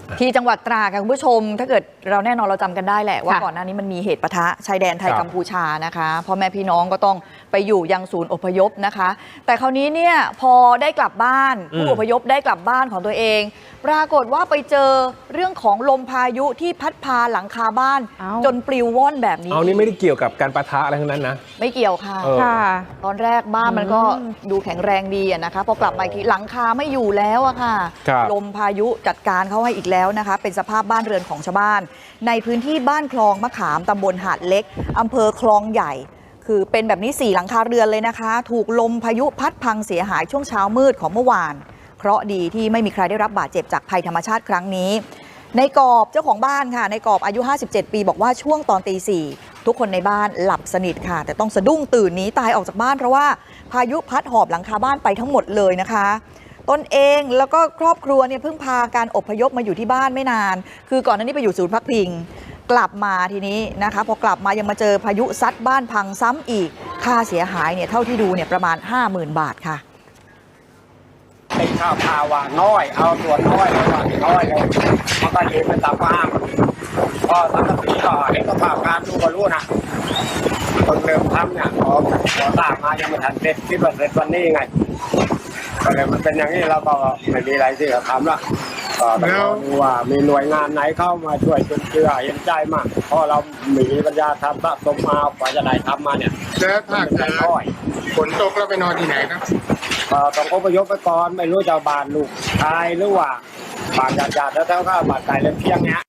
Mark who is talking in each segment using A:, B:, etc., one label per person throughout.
A: ที่จังหวัดตราดค่ะคุณผู้ชมถ้าเกิดเราแน่นอนเราจำกันได้แหละว่าก่อนหน้านี้มันมีเหตุปะทะชายแดนไทยกัมพูชานะคะพ่อแม่พี่น้องก็ต้องไปอยู่ยังศูนย์อพยพนะคะแต่คราวนี้เนี่ยพอได้กลับบ้านผู้อพยพได้กลับบ้านของตัวเองปรากฏว่าไปเจอเรื่องของลมพายุที่พัดพาหลังคาบ้านจนปลิวว่อนแบบนี้
B: นี่ไม่ได้เกี่ยวกับการปะทะอะไรทั้งนั้นนะ
A: ไม่เกี่ยวค่ะตอนแรกบ้านมันก็ดูแข็งแรงดีนะคะพอกลับมาอีกทีหลังคาไม่อยู่แล้วอะค่ะลมพายุจัดการเขาให้อีกแล้วนะคะเป็นสภาพบ้านเรือนของชาวบ้านในพื้นที่บ้านคลองมะขามตำบลหาดเล็กอำเภอคลองใหญ่คือเป็นแบบนี้4หลังคาเรือนเลยนะคะถูกลมพายุพัดพังเสียหายช่วงเช้ามืดของเมื่อวานเคราะห์ดีที่ไม่มีใครได้รับบาดเจ็บจากภัยธรรมชาติครั้งนี้ในกอบเจ้าของบ้านค่ะในกอบอายุ57ปีบอกว่าช่วงตอนตี 4ทุกคนในบ้านหลับสนิทค่ะแต่ต้องสะดุ้งตื่นหนีตายออกจากบ้านเพราะว่าพายุพัดหอบหลังคาบ้านไปทั้งหมดเลยนะคะตนเองแล้วก็ครอบครัวเนี่ยเพิ่งพาการอพยพมาอยู่ที่บ้านไม่นานคือก่อนหน้านี้ไปอยู่ศูนย์พักพิงกลับมาทีนี้นะคะพอกลับมายังมาเจอพายุซัดบ้านพังซ้ำอีกค่าเสียหายเนี่ยเท่าที่ดูเนี่ยประมาณ 50,000 บาทค่ะ
C: ไอ้ข้าวพาวาน้อยเอาตัวน้อยเลยน้อยเลยมันก็ยืนเป็นตาฟ้าก็ทั้งปีก็เห็นก็ภาพการดูก็รู้นะคนเริ่มทำเนี่ยขอสร้างมายังไม่ทันเสร็จคิดว่าเสร็จวันนี้ไงก็เลยมันเป็นอย่างนี้แล้วก็ไม่มีอะไรที่จะทำละก็ต้องดูว่ามีหน่วยงานไหนเข้ามาช่วยจนเชื่อเห็นใจมากเพราะเรามีปัญญาทำสะสมมากว่าจะได้ทำมาเนี่ย
D: แล้วถ้าเกิดฝนตกแล้วไปนอนที่ไหนครับ
C: ต้องอพยพไปก่อนไม่รู้จะบ้านลูกชายหรือว่าบ้านญาติแล้วเท่ากับบ้านไก่เลี้ยงเพียงเนี้ย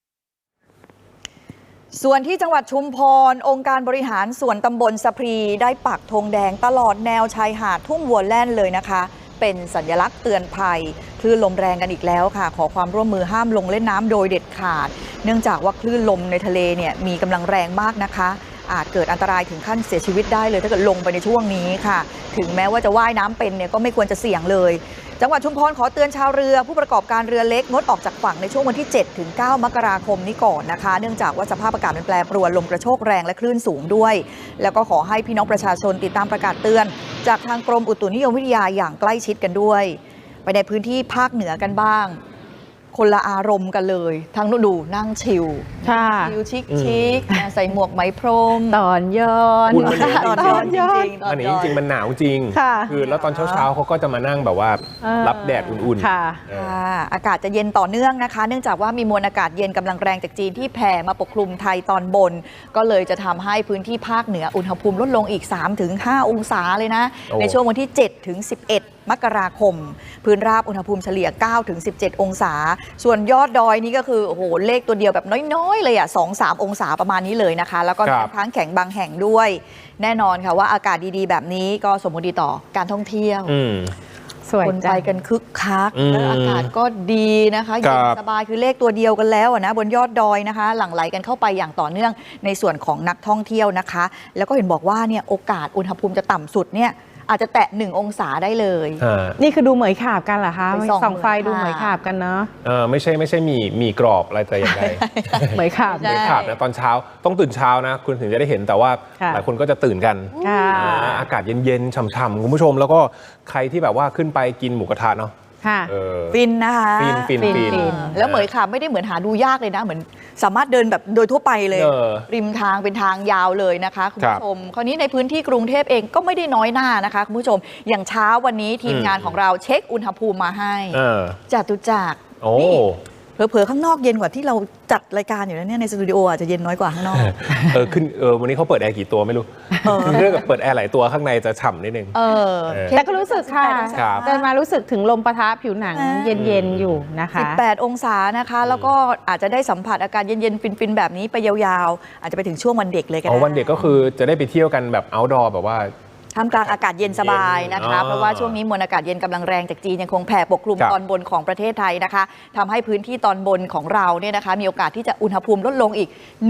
A: ส่วนที่จังหวัดชุมพรองค์การบริหารส่วนตำบลสะพรีได้ปักธงแดงตลอดแนวชายหาดทุ่งวัวแล่นเลยนะคะเป็นสัญลักษณ์เตือนภัยคลื่นลมแรงกันอีกแล้วค่ะขอความร่วมมือห้ามลงเล่นน้ำโดยเด็ดขาดเนื่องจากว่าคลื่นลมในทะเลเนี่ยมีกำลังแรงมากนะคะอาจเกิดอันตรายถึงขั้นเสียชีวิตได้เลยถ้าเกิดลงไปในช่วงนี้ค่ะถึงแม้ว่าจะว่ายน้ำเป็นเนี่ยก็ไม่ควรจะเสี่ยงเลยจังหวัดชุมพรขอเตือนชาวเรือผู้ประกอบการเรือเล็กงดออกจากฝั่งในช่วงวันที่7 ถึง 9 มกราคมนี้ก่อนนะคะเนื่องจากว่าสภาพอากาศมันแปรปรวนลมกระโชกแรงและคลื่นสูงด้วยแล้วก็ขอให้พี่น้องประชาชนติดตามประกาศเตือนจากทางกรมอุตุนิยมวิทยาอย่างใกล้ชิดกันด้วยไปในพื้นที่ภาคเหนือกันบ้างคนละอารมณ์กันเลยทั้งดูนั่งชิลชิคใส่หมวกไหมพรม
E: ตอนย้อน
A: จริง
B: อันนี้จริงมันหนาวจริงคือแล้วตอนเช้าเขาก็จะมานั่งแบบว่ารับแดดอุ่น
A: ๆอากาศจะเย็นต่อเนื่องนะคะเนื่องจากว่ามีมวลอากาศเย็นกำลังแรงจากจีนที่แผ่มาปกคลุมไทยตอนบนก็เลยจะทำให้พื้นที่ภาคเหนืออุณหภูมิลดลงอีก 3-5 องศาเลยนะในช่วงวันที่7 ถึง 11 มกราคมพื้นราบอุณหภูมิเฉลี่ย 9-17 องศาส่วนยอดดอยนี่ก็คือโอ้โหเลขตัวเดียวแบบน้อยๆเลย2-3 องศาประมาณนี้เลยนะคะแล้วก็น้ำค้างแข็งบางแห่งด้วยแน่นอนค่ะว่าอากาศดีๆแบบนี้ก็สมมติต่อการท่องเที่ยวคนไปกันคึกคักแล้วอากาศก็ดีนะคะเย็นสบายคือเลขตัวเดียวกันแล้วนะบนยอดดอยนะคะหลั่งไหลกันเข้าไปอย่างต่อเนื่องในส่วนของนักท่องเที่ยวนะคะแล้วก็เห็นบอกว่าเนี่ยโอกาสอุณหภูมิจะต่ำสุดเนี่ยอาจจะแตะ1 องศาได้เลย
E: นี่คือดูเหมยขาบกันเหรอคะส่องไฟดูเหมยขาบกันเนาะ
B: ไม่ใช่มีกรอบอะไรแต่อย่างใด
E: เหมยขาบ
B: นะตอนเช้าต้องตื่นเช้านะคุณถึงจะได้เห็นแต่ว่าหลายคนก็จะตื่นกันอากาศเย็นๆฉ่ำๆคุณผู้ชมแล้วก็ใครที่แบบว่าขึ้นไปกินหมูกระทะเนาะ
A: ฟินนะคะ
B: ฟิน
A: แล้วเหมยขาบไม่ได้เหมือนหาดูยากเลยนะเหมือนสามารถเดินแบบโดยทั่วไปเลยริมทางเป็นทางยาวเลยนะคะคุณผู้ชมคราวนี้ในพื้นที่กรุงเทพเองก็ไม่ได้น้อยหน้านะคะคุณผู้ชมอย่างเช้าวันนี้ทีมงานของเราเช็คอุณหภูมิมาให้จตุจักรเผลอๆข้างนอกเย็นกว่าที่เราจัดรายการอยู่แล้วเนี่ยในสตูดิโออาจจะเย็นน้อยกว่าข้างนอก
B: วันนี้เขาเปิดแอร์กี่ตัวไม่รู้เรื่องกับเปิดแอร์หลายตัวข้างในจะฉ่ำนิดนึง
E: แต่ก็รู้สึกค่ะเดินมารู้สึกถึงลมปะทะผิวหนังเย็นๆอยู่นะคะ
A: 18 องศานะคะแล้วก็อาจจะได้สัมผัสอากาศเย็นๆฟินๆแบบนี้ไปยาวๆอาจจะไปถึงช่วงวันเด็กเลยกัน
B: วันเด็กก็คือจะได้ไปเที่ยวกันแบบ outdoor แบบว่า
A: ท่ามกลางอากาศเย็นสบายนะคะเพราะว่าช่วงนี้มวลอากาศเย็นกำลังแรงจากจีนยังคงแผ่ปกคลุมตอนบนของประเทศไทยนะคะทำให้พื้นที่ตอนบนของเราเนี่ยนะคะมีโอกาสที่จะอุณหภูมิลดลงอีก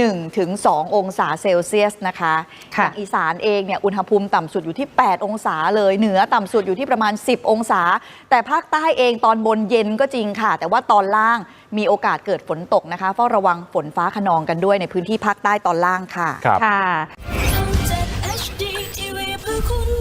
A: 1-2 องศาเซลเซียสนะคะอย่างอีสานเองเนี่ยอุณหภูมิต่ำสุดอยู่ที่8 องศาเลยเหนือต่ำสุดอยู่ที่ประมาณ10 องศาแต่ภาคใต้เองตอนบนเย็นก็จริงค่ะแต่ว่าตอนล่างมีโอกาสเกิดฝนตกนะคะเฝ้าระวังฝนฟ้าคะนองกันด้วยในพื้นที่ภาคใต้ตอนล่างค่ะ